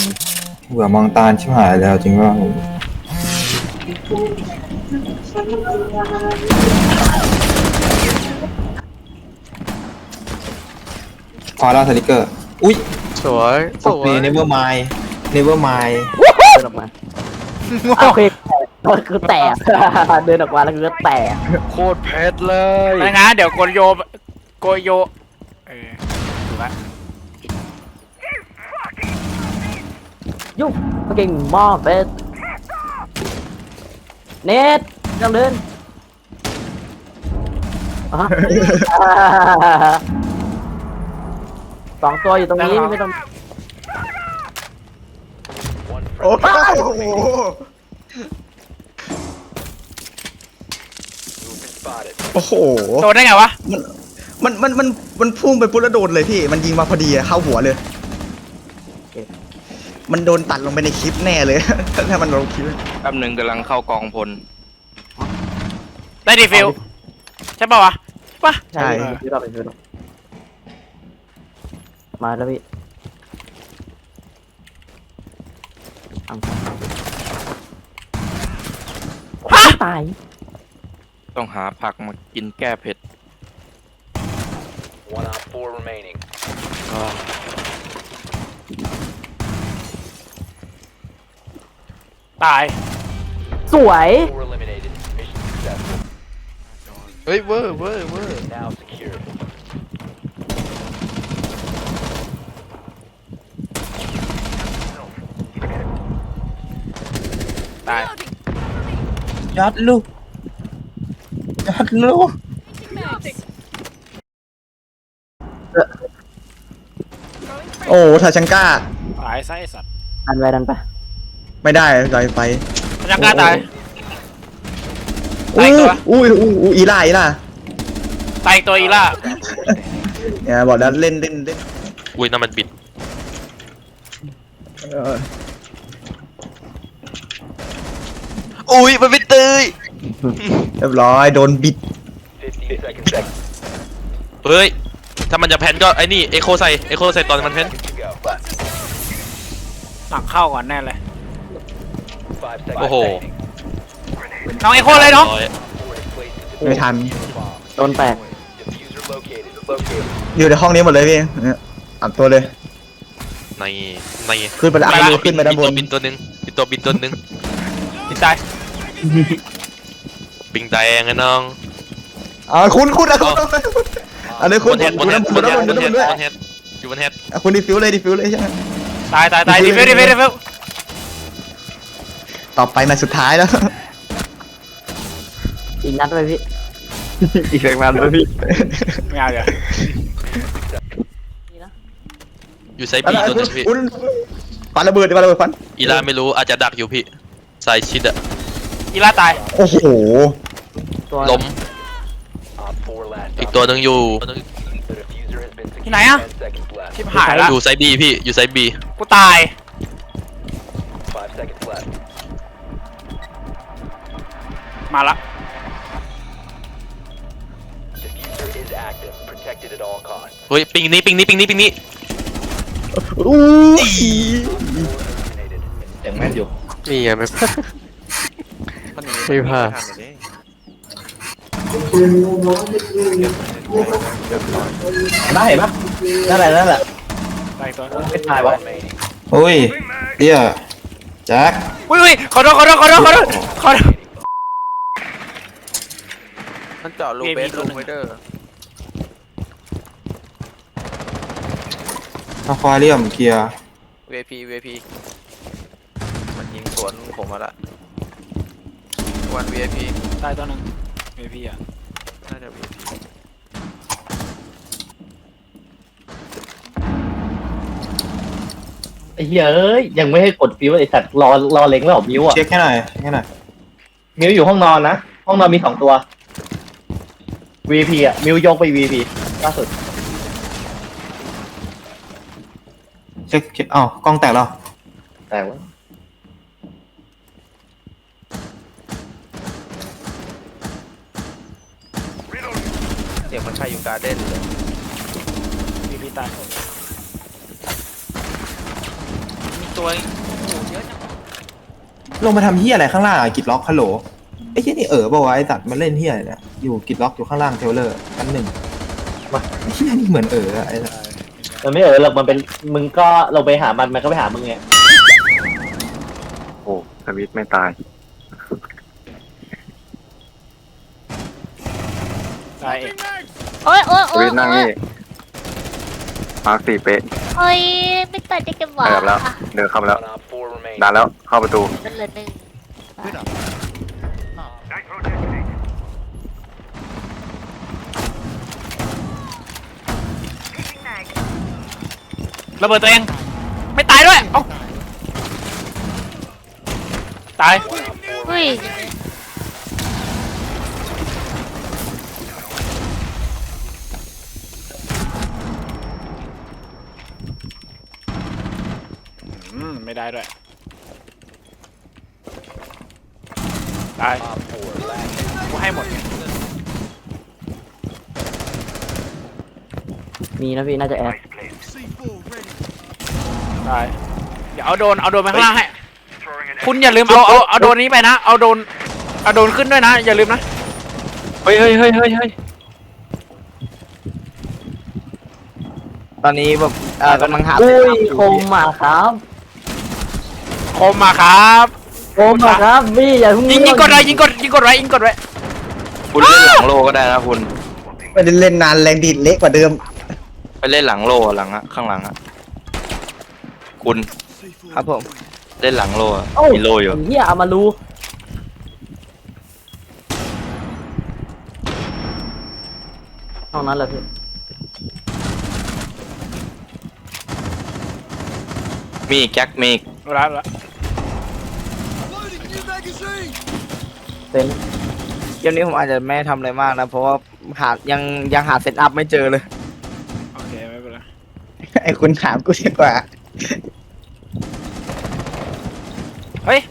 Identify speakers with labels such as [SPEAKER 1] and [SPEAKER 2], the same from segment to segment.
[SPEAKER 1] เบื่อมองตาชิบหายแล้วจริงว่าพอแล้วสติกเกอร์อุ้ย
[SPEAKER 2] สวยส
[SPEAKER 1] โอ
[SPEAKER 2] ว
[SPEAKER 1] เค
[SPEAKER 2] ย
[SPEAKER 1] never mind never mind
[SPEAKER 3] เดินออกมาโอเคคือแตกเดินออกมาแล้วคือแตก
[SPEAKER 2] โคตรเพชรเลย
[SPEAKER 4] ไม่งั้นเดี๋ยวโกโยถูกละ
[SPEAKER 3] ยุ่งเก่งมากเบสเน็ตยังเดินอ่ะฮะสองตัวอยู่ตรงนี้ไม่ต้อง
[SPEAKER 5] โอ้โห โอ้โห
[SPEAKER 4] โดนได้ไงวะ
[SPEAKER 5] มันพุ่งไปปุ๊บแล้วโดนเลยพี่ มันยิงมาพอดีอะเข้าหัวเลย มันโดนตัดลงไปในคลิปแน่เลย ถ้ามันลงคลิป
[SPEAKER 2] แป๊บหนึ่งกำลังเข้ากองพล
[SPEAKER 4] ได้ดีฟิลใช่ป่าวะป่ะ
[SPEAKER 5] ใช่
[SPEAKER 3] พี่เราไปพี่เรามาแล้วพี่ตาย
[SPEAKER 2] ต้องหาผักมากินแก้เผ็ด
[SPEAKER 6] One on four remaining.
[SPEAKER 4] ตาย
[SPEAKER 3] สวย
[SPEAKER 6] Four eliminated. Mission successful.
[SPEAKER 2] เฮ้ยเวอร์เวอร์เวอร์
[SPEAKER 6] Now secure.
[SPEAKER 4] ตาย
[SPEAKER 1] ยัดลูกยัดลูก
[SPEAKER 5] โอ้ทาชังก้า
[SPEAKER 4] ตายซะไอ้สัตว์
[SPEAKER 3] ดันไป
[SPEAKER 5] ไม่ได้ลอยไฟ
[SPEAKER 4] มันยังกล้าตาย ตา
[SPEAKER 5] อุ้
[SPEAKER 4] ย
[SPEAKER 5] ย
[SPEAKER 4] ตัว
[SPEAKER 5] อุ้ยอีล่า
[SPEAKER 4] ตายอีกตัวอีล่า
[SPEAKER 5] เนี่ยบอกแล้วเล่น
[SPEAKER 2] อุ้ยน้ำมันบิด
[SPEAKER 5] เออ
[SPEAKER 2] อุ้ยมันเป็นเตย
[SPEAKER 5] เรียบร้อยโดนบิด
[SPEAKER 6] 15 seconds.
[SPEAKER 2] เฮ้ยถ้ามันจะแพนก็ไอ้นี่เอโคใส่ตอนมันแพน
[SPEAKER 6] To go.
[SPEAKER 4] หลังเข้าก่อนแน่เลย
[SPEAKER 6] 5 seconds.
[SPEAKER 2] โอ้โห
[SPEAKER 6] remaining.
[SPEAKER 4] น้องเอโคเลยน้อง
[SPEAKER 6] Four is placed to
[SPEAKER 5] ไม่ทัน
[SPEAKER 6] bomb.
[SPEAKER 3] โดนแตก
[SPEAKER 6] Diffuser located. Located.
[SPEAKER 5] อยู่ในห้องนี้หมดเลยพี่เนี่ยอัดตัวเลย
[SPEAKER 2] ใน
[SPEAKER 5] ขึ้นไปแล้วเอามือขึ้นไปด้านบน
[SPEAKER 2] บินตัวหนึ่งบินตัวหนึ่ง
[SPEAKER 4] ติดตาย
[SPEAKER 2] บิงแดงไงน้อง
[SPEAKER 5] คุณอะคุณอันนี้
[SPEAKER 2] บ
[SPEAKER 5] คุณ
[SPEAKER 2] นเฮดบนเฮด
[SPEAKER 5] คุณด้านบนด้วย
[SPEAKER 2] บนเฮดอยู่บนเฮด
[SPEAKER 5] คุณดีฟิวเลยใช่ไหม
[SPEAKER 4] ตายดีฟิลดีฟิล
[SPEAKER 5] ต่อไปนัดสุดท้ายแล้ว
[SPEAKER 3] อีกนัดไปพี่
[SPEAKER 5] อีกแรงมันเลยพี่
[SPEAKER 4] ไม่เอาเดี๋ยว
[SPEAKER 2] อยู่ไซบีตัวหนึงพี่
[SPEAKER 5] คุณปาระเบิดฟัน
[SPEAKER 2] อีลาไม่รู้อาจจะดักอยู่พี่ไซชิดอะ
[SPEAKER 4] อีล่าตาย
[SPEAKER 5] โอ้โห
[SPEAKER 3] ตัว
[SPEAKER 2] ล้ม
[SPEAKER 6] Op 4 last.
[SPEAKER 2] อีกตัวหนึ่งอยู่
[SPEAKER 6] The diffuser has been secured.
[SPEAKER 4] ที่ไหนอะ
[SPEAKER 6] 10 seconds left.
[SPEAKER 4] ชิบหายละ
[SPEAKER 2] อยู่ไซบีพี่อยู่ไซบี
[SPEAKER 4] กูตาย
[SPEAKER 6] 5 seconds left.
[SPEAKER 4] มาละ
[SPEAKER 6] Diffuser is active. Protected at all costs.
[SPEAKER 2] เฮ้ยปิงนี้
[SPEAKER 5] อู้ย
[SPEAKER 6] Eliminated.
[SPEAKER 1] อย่างแม่นอยู่
[SPEAKER 2] นี่ไงไม่พลาด
[SPEAKER 1] ได้ปะนั่นแหละ
[SPEAKER 4] ตายอีกตัว
[SPEAKER 1] ไม่ตายวะ
[SPEAKER 6] Remaining.
[SPEAKER 1] โอ้ยเดี๋ยวแจ็ค
[SPEAKER 4] อุ้ยขอโทษ
[SPEAKER 2] มันเจาะรูเบสรูไวเดอร์
[SPEAKER 1] อะควาเรียมเคลียร์
[SPEAKER 2] VIP มันยิงสวนผมมาละวัน VIP
[SPEAKER 4] ตายตัวหนึ่งเอพีอ่ะ
[SPEAKER 2] น่าจะ VIP
[SPEAKER 7] ไอ้เหี้ยเอ้ยยังไม่ให้กดฟิวไอ้สัตว์รอเล็งแล้วเหรอมิวอ่ะ
[SPEAKER 1] เช็คให้หน่อย
[SPEAKER 7] มิวอยู่ห้องนอนนะห้องนอนมี2 ตัว VP อ่ะมิวยกไป VP ล่าสุด
[SPEAKER 1] เช็คอ้าวกล้องแตกแล้ว
[SPEAKER 7] แต่ว่า
[SPEAKER 2] เสียงมันใช่อยู่การ์เด้นเลย
[SPEAKER 4] เอพีตาย
[SPEAKER 2] มีตัว
[SPEAKER 4] ตัวเองโอ้โหเยอะจัง
[SPEAKER 1] ลงมาทำเฮียอะไรข้างล่างอะกิดล็อกฮัลโหลไอ้เฮียนี่บอกว่าวะไอ้สัตว์มันเล่นเฮียอะไรเนี่ยอยู่กิดล็อกอยู่ข้างล่างเทเลอร์ชั้น1ไอ้เฮียนี่เหมือนอะไอ้สัตว์
[SPEAKER 7] มันไม่หรอกมันเป็นมึงก็เราไปหามันก็ไปหามึงไง
[SPEAKER 8] โอ้สวิตไม่ตาย
[SPEAKER 4] ตายเอง
[SPEAKER 9] โอ๊ยโอ๊ย
[SPEAKER 8] ส
[SPEAKER 9] โอ๊ย
[SPEAKER 8] วิตนั่งนี่มาร์ค4เป๊ะ
[SPEAKER 9] โอ๊ยไม่ตัดได้กันหวะ
[SPEAKER 8] เดินแล้วเดินเข้ามาแล้ว
[SPEAKER 6] One op 4 remaining.
[SPEAKER 8] นานแล้วเข้าประตู
[SPEAKER 9] มันเหลือหนึ่ง
[SPEAKER 4] ระเบิดตัวเองไม่ตายด้วยเอ้าตาย
[SPEAKER 9] เฮ้ย
[SPEAKER 4] ไม่ได้ด้วยตาย
[SPEAKER 6] Op 4 last
[SPEAKER 4] กูให้หมด
[SPEAKER 3] มีนะพี่น่าจะแอด
[SPEAKER 4] ตายเดี๋ยวเอาโดนไปข้างล่างให้คุณอย่าลืมเอาโดนนี้ไปนะเอาโดนขึ้นด้วยนะอย่าลืมนะ
[SPEAKER 2] เฮ้ย
[SPEAKER 1] ตอนนี้แบบกำลังหา
[SPEAKER 3] อุ้ยคมมาครับ
[SPEAKER 4] คมมาครับ
[SPEAKER 3] คมมาครับพี่อย่าเพิ่ง
[SPEAKER 4] ยิงกดไว้ยิงกดไว้
[SPEAKER 2] คุณเล่นหลังโลก็ได้นะคุณ
[SPEAKER 5] ไม่ได้เล่นนานแรงดีดเละกว่าเดิม
[SPEAKER 2] ไปเล่นหลังโลหลังอะข้างหลังอะคุณ
[SPEAKER 1] ครับผม
[SPEAKER 2] เล่นหลังโลอะ
[SPEAKER 3] โอ้
[SPEAKER 2] มีโลอยู่
[SPEAKER 3] เฮียเอามารู้ห้องนั้นแหละพี่
[SPEAKER 2] มีอีกแจ็คมีอีก
[SPEAKER 4] รับละ
[SPEAKER 3] เป็น
[SPEAKER 1] เกมนี้ผมอาจจะไม่ทำอะไรมากนะเพราะว่ายังหาเซตอัพไม่เจอเลย
[SPEAKER 4] โอเคไม่เป็นไร
[SPEAKER 5] ไอ้คุณถามกูดีกว่า
[SPEAKER 4] เฮ้ย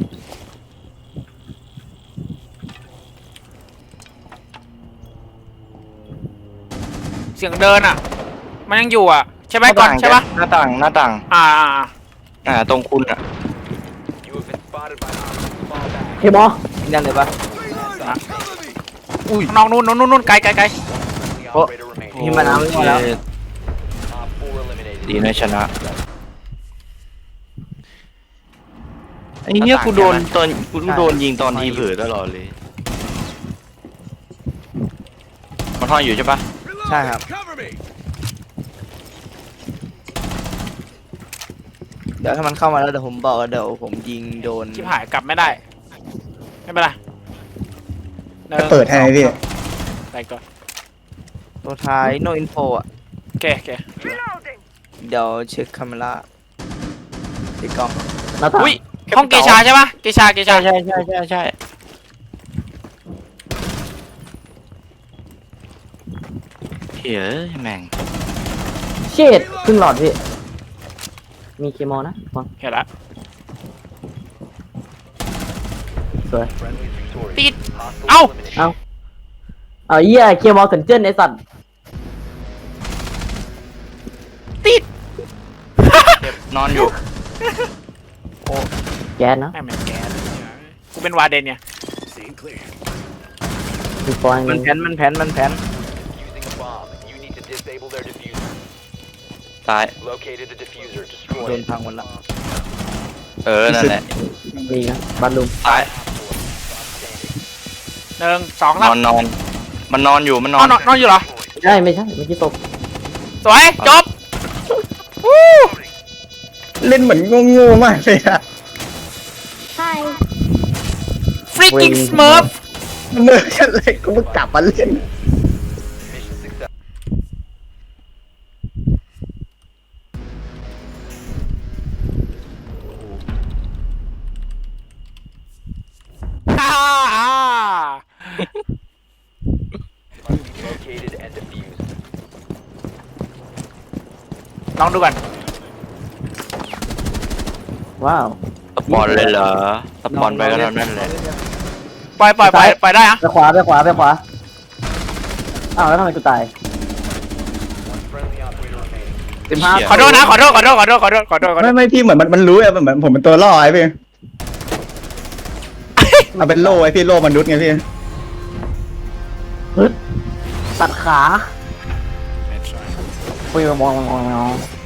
[SPEAKER 4] เสียงเดินอ่ะมันยังอยู่อ่ะใช่ไหมก่อนใช่ปะ
[SPEAKER 2] หน้าต่าง ตรงคุณอะ
[SPEAKER 6] You have been spotted by hostiles. Fall back.
[SPEAKER 3] เคมอ
[SPEAKER 1] นั่นเลยปะ
[SPEAKER 4] น้องนู่นไกล
[SPEAKER 6] Friendly
[SPEAKER 1] Oh.
[SPEAKER 6] operator remaining.
[SPEAKER 1] นี่มันเอาไม่มาแล้ว
[SPEAKER 6] Op 4 eliminated.
[SPEAKER 2] ดีนะชนะไอ้เนี้ยกูโดนยิงตอนทีเผลอตลอดเลยมันท่อนอยู่ใช่ปะ
[SPEAKER 1] ใช่ครับเดี๋ยวถ้ามันเข้ามาแล้วเดี๋ยวผมบอกว่าเดี๋ยวผมยิงโดน
[SPEAKER 4] ชิบหายกลับไม่ได้ไม่เป็นไร
[SPEAKER 5] จะเปิดให้ไหมพี่
[SPEAKER 4] ไปก่อน
[SPEAKER 1] ตัวท้าย no info อ่ะ
[SPEAKER 4] โอเค
[SPEAKER 1] เดี๋ยวเช็คคาเมล่าติดกล้อง
[SPEAKER 3] หน้าต่าง
[SPEAKER 4] อุ้ยห้องเกชาใช่ปะเกชา
[SPEAKER 2] ใช่เฮ้ยแม่ง
[SPEAKER 3] เชดครึ่งหลอดพี่มีเคมอนะฟัง
[SPEAKER 4] เห็นละ
[SPEAKER 3] สวย
[SPEAKER 6] Friendly victorious.
[SPEAKER 4] ติด
[SPEAKER 6] Hostile
[SPEAKER 4] Ow.
[SPEAKER 6] eliminated.
[SPEAKER 3] เอาเหี้ยเคมอเกินเจิ้นไอสัตว์
[SPEAKER 4] ติด
[SPEAKER 2] เจ็บนอนอยู่
[SPEAKER 3] แก๊สนะ
[SPEAKER 4] แม่งเป็นแกสกูเป็นวาเดนเนี่ย
[SPEAKER 3] มีฟอยล์
[SPEAKER 1] มัน
[SPEAKER 3] นึง
[SPEAKER 1] แผน
[SPEAKER 6] Using a bomb. You need to disable their diffuser.
[SPEAKER 2] ตาย
[SPEAKER 6] Located the diffuser.
[SPEAKER 1] โด
[SPEAKER 6] Destroy
[SPEAKER 1] น
[SPEAKER 6] it.
[SPEAKER 1] พังหมดละ
[SPEAKER 2] นั่นแหละ
[SPEAKER 3] มีนะบัตรลุม
[SPEAKER 2] ตาย
[SPEAKER 4] 1 2
[SPEAKER 2] นอนมันนอนอยู่มันนอน
[SPEAKER 4] นอนอยู่เหรอ
[SPEAKER 3] ใช่ไม่ใช่เมื่อกี้ตก
[SPEAKER 4] สวยจบ
[SPEAKER 5] เล่นเหมือนโง่ๆมากเลยอะ
[SPEAKER 9] ใช่
[SPEAKER 4] ฟรีกิ้งสเมิร์ฟ
[SPEAKER 5] เมื่อกันเลยกูเพิ่งกลับมาเล่น
[SPEAKER 6] Mission success.
[SPEAKER 4] ฮ่า
[SPEAKER 6] Located and defused.
[SPEAKER 4] ลองดูก่อน
[SPEAKER 3] ว้าว
[SPEAKER 2] สปอนเลยเหรอสปอนไปก็เท่านั้นแหละ
[SPEAKER 4] ปล่อยได้อะ
[SPEAKER 3] ไปขวาอ้าวแล้วทำไมกูตาย
[SPEAKER 6] One friendly operator remaining.
[SPEAKER 4] ขอโทษนะขอโทษ
[SPEAKER 5] ไม่พี่เหมือนมันรู้อะเหมือนผมเป็นตัวล่อไอ้พี่เอาเป็นโล่ไอ้พี่โล่มนุษย์ไงพี่
[SPEAKER 3] ตัดขาปุยมอง